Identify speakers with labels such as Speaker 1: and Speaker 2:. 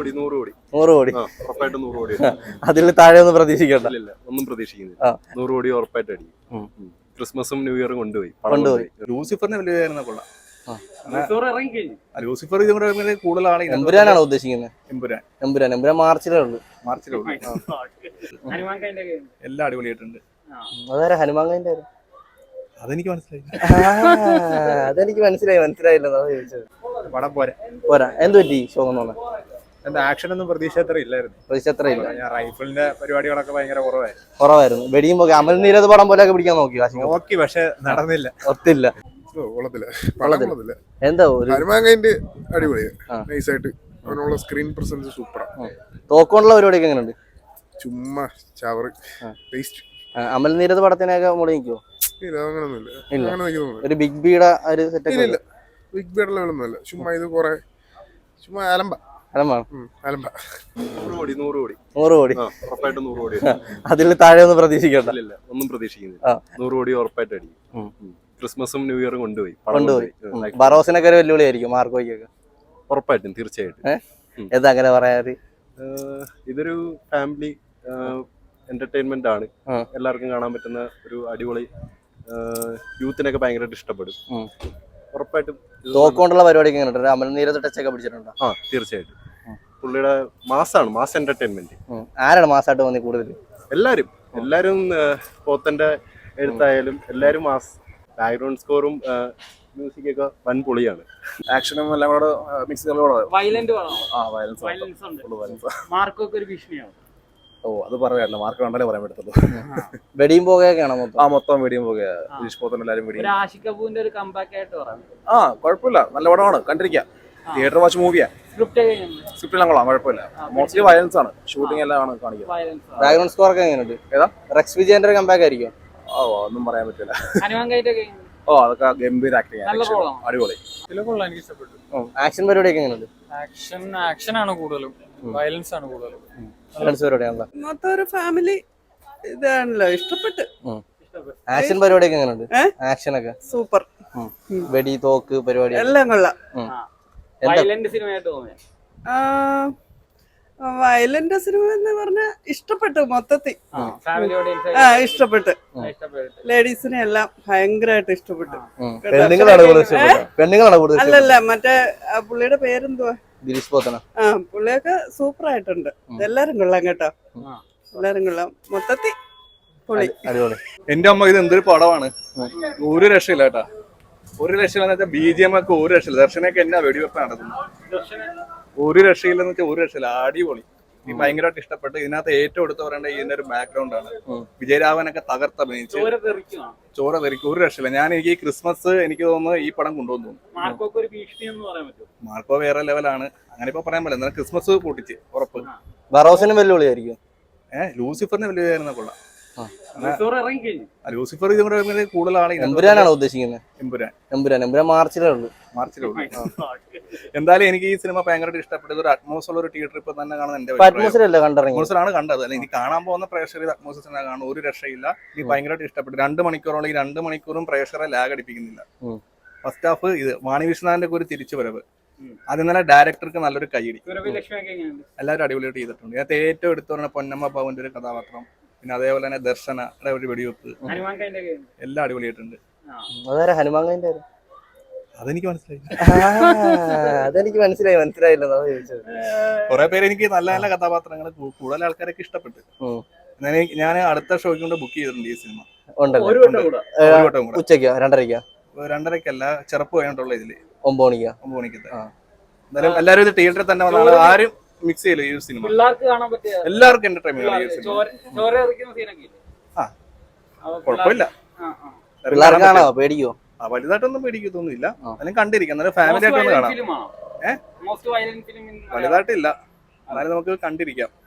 Speaker 1: കോടി 100 കോടി
Speaker 2: 100 കോടി
Speaker 1: ഉറപ്പായിട്ട് 100 കോടി
Speaker 2: അതിൽ താഴെ ഒന്നും പ്രതീക്ഷിക്കണ്ട.
Speaker 1: ഇല്ല ഒന്നും പ്രതീക്ഷിക്കുന്നില്ല. 100 കോടി ഉറപ്പായിട്ട് അടിക്കും. ക്രിസ്മസും ന്യൂ ഇയറും കൊണ്ടുപോയി.
Speaker 3: ലൂസിഫറിന് വലിയ കൊള്ളാം. ലൂസിഫർ ഇതുകൂടെ കൂടുതലാണ്.
Speaker 2: എമ്പുരാനാണോ ഉദ്ദേശിക്കുന്നത്?
Speaker 3: എമ്പുരാൻ
Speaker 2: മാർച്ചിലേ ഉള്ളൂ.
Speaker 3: എല്ലാം അടിപൊളിയായിട്ടുണ്ട്.
Speaker 2: അതാരാ ഹനുമാൻ?
Speaker 3: അതെനിക്ക് മനസ്സിലായി.
Speaker 2: അതെനിക്ക് മനസ്സിലായില്ല
Speaker 3: പടം
Speaker 2: പോരാ. എന്ത് പറ്റി ശോകം?
Speaker 3: എന്താ ആക്ഷൻ ഒന്നും പ്രതീക്ഷ അത്ര ഇല്ലായിരുന്നു. ഞാൻ റൈഫിളിന്റെ പരിപാടികളൊക്കെ ഭയങ്കര
Speaker 2: കുറവായിരുന്നു. വെടിയുമ്പോ അമൽ നീരത് പടം പോലെ പിടിക്കാൻ നോക്കി,
Speaker 3: പക്ഷെ നടന്നില്ല.
Speaker 2: ഒത്തില്ല. എന്താ
Speaker 4: ഹനുമാൻകൈൻഡ് അടിപൊളിയാണ്. നൈസായിട്ട് അവനുള്ള സ്ക്രീൻ പ്രസൻസ് സൂപ്പറാണ്.
Speaker 2: തോക്കൊണ്ടുള്ള പരിപാടിയൊക്കെ എങ്ങനെയുണ്ട്?
Speaker 4: ചുമ്മാ ചവറ് ടേസ്റ്റ്.
Speaker 2: അമൽ നീരത് പടത്തിനൊക്കെ മുകളിൽ നിൽക്കുവോ?
Speaker 4: ഇല്ല, അങ്ങനൊന്നുമില്ല.
Speaker 2: ഒരു ബിഗ് ബിയുടെ ഒരു സെറ്റ്
Speaker 4: ഇല്ല, ബിഗ് ബിയുടെ ലെവലൊന്നുമല്ല. ചുമ്മാ ഇത് കുറെ ചുമ്മാ അലമ്പ.
Speaker 1: 100 കോടി
Speaker 2: 100 കോടി
Speaker 1: ഉറപ്പായിട്ട് 100 കോടി
Speaker 2: അതിൽ താഴെ ഒന്നും പ്രതീക്ഷിക്കണ്ട.
Speaker 1: ഇല്ല ഒന്നും പ്രതീക്ഷിക്കുന്നില്ല. 100 കോടി ഉറപ്പായിട്ട് അടിക്കും. ക്രിസ്മസും ന്യൂ ഇയറും കൊണ്ടുപോയി.
Speaker 2: ബറോസിനൊക്കെ ഒരു വെല്ലുവിളിയായിരിക്കും മാർക്കോയ്ക്കൊക്കെ.
Speaker 1: ഉറപ്പായിട്ടും തീർച്ചയായിട്ടും.
Speaker 2: എന്താ അങ്ങനെ പറയാറ്?
Speaker 1: ഇതൊരു ഫാമിലി എന്റർടൈൻമെന്റ് ആണ്. എല്ലാവർക്കും കാണാൻ പറ്റുന്ന ഒരു അടിപൊളി, യൂത്തിനൊക്കെ ഭയങ്കരമായിട്ട് ഇഷ്ടപ്പെടും. ഉറപ്പായിട്ടും.
Speaker 2: തോക്കൊണ്ടുള്ള പരിപാടിയൊക്കെ എങ്ങനെയുണ്ട്? അമൽ നീരത് ടച്ചൊക്കെ പിടിച്ചിട്ടുണ്ടോ?
Speaker 1: തീർച്ചയായിട്ടും. പുള്ളിയുടെ മാസ് എന്റർടൈൻമെന്റ്.
Speaker 2: ആരാണ് മാസായിട്ട് തോന്നി കൂടുതൽ?
Speaker 1: എല്ലാരും പോത്തന്റെ എഴുത്തായാലും എല്ലാരും മാസ്. ബാക്ക്ഗ്രൗണ്ട് സ്കോറും മ്യൂസിക് ഒക്കെ വൻ പൊളിയാണ്.
Speaker 3: ആക്ഷനും എല്ലാം കൂടെ മിക്സ്
Speaker 5: വയലൻസ്
Speaker 3: അത് പറയാറില്ല. മാർക്ക് കണ്ടാലേ പറയാൻ പറ്റത്തുള്ളൂ.
Speaker 2: വെടിയും പോകുകയൊക്കെയാണോ
Speaker 3: മൊത്തം വെടിയും പോകുക. പോത്തൻ എല്ലാരും വെടിയും. കുഴപ്പമില്ല, നല്ല പടമാണ്, കണ്ടിരിക്കാം. Theatre watch മൂവിയാ. സ്ക്രിപ്റ്റ് എല്ലാം കൊള്ളാം, കുഴപ്പമില്ല. മോസ്റ്റ്ലി വയലൻസ് ആണ്. ഷൂട്ടിംഗ് എല്ലാം ആണ് കാണിക്കുന്നത്.
Speaker 2: ബാക്ക്ഗ്രൗണ്ട് സ്കോർ ഒക്കെ എങ്ങനെയുണ്ട്? ഏതാ റെക്സ് വിജയന്റെ ഒരു കമ്പാക്ക് ആയിരിക്കും?
Speaker 3: ഒന്നും പറയാൻ പറ്റില്ല. അതൊക്കെ ഗംഭീര ആക്ടിങ്, അടിപൊളി.
Speaker 5: എനിക്ക് ഇഷ്ടപ്പെട്ടു.
Speaker 2: ആക്ഷൻ പരിപാടിയൊക്കെ എങ്ങനെയുണ്ട്?
Speaker 5: ആക്ഷൻ ആണ് കൂടുതലും, വയലൻസ് ആണ് കൂടുതലും.
Speaker 6: മൊത്തം ഒരു ഫാമിലി ഇതാണല്ലോ. ഇഷ്ടപ്പെട്ടു.
Speaker 2: ആക്ഷൻ പരിപാടിയൊക്കെ എങ്ങനെയുണ്ട്? ആക്ഷൻ ഒക്കെ
Speaker 6: സൂപ്പർ.
Speaker 2: വെടി തോക്ക് പരിപാടി
Speaker 6: എല്ലാം കൊള്ളാം. വയലന്റ് സിനിമ എന്ന് പറഞ്ഞാൽ ഇഷ്ടപ്പെട്ടു മൊത്തത്തിൽ. ഇഷ്ടപ്പെട്ടു. ലേഡീസിനെ എല്ലാം ഭയങ്കരമായിട്ട് ഇഷ്ടപ്പെട്ടു. അല്ലല്ല, മറ്റേ പുള്ളിയുടെ പേരെന്തുവാ? പുള്ളിയൊക്കെ സൂപ്പർ ആയിട്ടുണ്ട്. എല്ലാരും കൊള്ളാം കേട്ടോ, എല്ലാരും കൊള്ളാം. മൊത്തത്തിൽ പൊളി.
Speaker 3: എന്റെ അമ്മ, ഇത് എന്തൊരു പടമാണ്. ഒരു രക്ഷയില്ല കേട്ടാ, ഒരു രക്ഷയില്ലെന്ന് വെച്ചാൽ BGM ഒക്കെ ഒരു രക്ഷയില്ല. ദർശനൊക്കെ എന്നാ വെടിവെപ്പ് നടത്തുന്നത്. ഒരു രക്ഷയില്ലെന്ന് വെച്ചാൽ ഒരു രക്ഷയില്ല, അടിപൊളി. എനിക്ക് ഭയങ്കരമായിട്ട് ഇഷ്ടപ്പെട്ടു. ഇതിനകത്ത് ഏറ്റവും എടുത്ത് പറയേണ്ട ഇതിന്റെ ഒരു ബാക്ക്ഗ്രൗണ്ട് ആണ്. വിജയരാഘവനൊക്കെ തകർത്തഭിനയിച്ച് ചോര തെറിക്കും, ഒരു രക്ഷയില്ല. എനിക്ക് ഈ ക്രിസ്മസ് എനിക്ക് തോന്നുന്നു ഈ പടം കൊണ്ടുവന്നു. മാർക്കോ വേറെ ലെവലാണ്, അങ്ങനെ ഇപ്പൊ പറയാൻ പറ്റില്ല. എന്നാലും ക്രിസ്മസ് പൊട്ടിച്ച് ഉറപ്പ്.
Speaker 2: ബറോസിന് വെല്ലുവിളിയായിരിക്കും.
Speaker 3: ലൂസിഫറിന് വെല്ലുവിളിയായിരുന്ന കൊള്ളാം. ലൂസിഫർ ഇതുകൂടെ കൂടുതലാണ്.
Speaker 2: എമ്പുരാനാണോ ഉദ്ദേശിക്കുന്നത്?
Speaker 3: എമ്പുരാൻ
Speaker 2: മാർച്ചിലേ ഉള്ളൂ.
Speaker 3: എന്തായാലും എനിക്ക് ഈ സിനിമ ഭയങ്കരമായിട്ട് ഇഷ്ടപ്പെട്ടത്. ഒരു അറ്റ്മോസ്ഫിയർ ഒരു തിയേറ്റർ ഇപ്പൊ തന്നെ കാണുന്നത് എന്റെ അറ്റ്മോസ്ഫിയറാണ് കണ്ടത്. അല്ല, എനിക്ക് കാണാൻ പോകുന്ന പ്രേക്ഷകർ അറ്റ്മോസ്ഫിയർ കാണും, ഒരു രക്ഷയില്ല. എനിക്ക് ഭയങ്കരമായിട്ട് ഇഷ്ടപ്പെട്ടു. 2 മണിക്കൂറോളം, 2 മണിക്കൂറും പ്രേക്ഷകരെ ലാഗ് അടിപ്പിക്കുന്നില്ല. ഫസ്റ്റ് ഹാഫ് ഇത് വാണി വിശ്വനാഥിന്റെ ഒരു തിരിച്ചുവരവ്, അത് ഇന്നലെ ഡയറക്ടർക്ക് നല്ലൊരു കൈയടി. എല്ലാവരും അടിപൊളിയായിട്ട് ചെയ്തിട്ടുണ്ട്. ഇതിനകത്ത് ഏറ്റവും എടുത്തു പറഞ്ഞ പൊന്നമ്മ പവന്റെ ഒരു കഥാപാത്രം, പിന്നെ അതേപോലെ തന്നെ ദർശനയുടെ ഒരു വെടിവെപ്പ്, എല്ലാം അടിപൊളിയായിട്ടുണ്ട്.
Speaker 2: ഹനുമാൻ?
Speaker 3: അതെനിക്ക് മനസ്സിലായി.
Speaker 2: അതെനിക്ക് മനസ്സിലായില്ല.
Speaker 3: കുറെ പേര് എനിക്ക് നല്ല നല്ല കഥാപാത്രങ്ങൾ, കൂടുതൽ ആൾക്കാരൊക്കെ ഇഷ്ടപ്പെട്ടു. ഞാൻ അടുത്ത ഷോയ്ക്ക് കൊണ്ട് ബുക്ക് ചെയ്തിട്ടുണ്ട് ഈ സിനിമ.
Speaker 2: ഉച്ചയ്ക്കോ?
Speaker 3: 2:30ക്കല്ല, ചെറുപ്പ് കഴിഞ്ഞിട്ടുള്ള ഇതില്
Speaker 2: 9
Speaker 3: മണിക്ക്. എന്തായാലും എല്ലാവരും ഇത് തിയേറ്ററിൽ തന്നെ വന്നാണ്. ആരും മിക്സ് ചെയ്യില്ല ഈ സിനിമ. എല്ലാവർക്കും എന്റർടൈൻമെന്റ്. കുഴപ്പമില്ല.
Speaker 2: പേടിക്കോ?
Speaker 3: വലുതായിട്ടൊന്നും പേടിക്കത്തൊന്നുമില്ല. എന്നാലും കണ്ടിരിക്കാം, എന്നാലും ഫാമിലി ആയിട്ടൊന്ന് കാണാം. വലുതായിട്ടില്ല, എന്നാലും നമുക്ക് കണ്ടിരിക്കാം.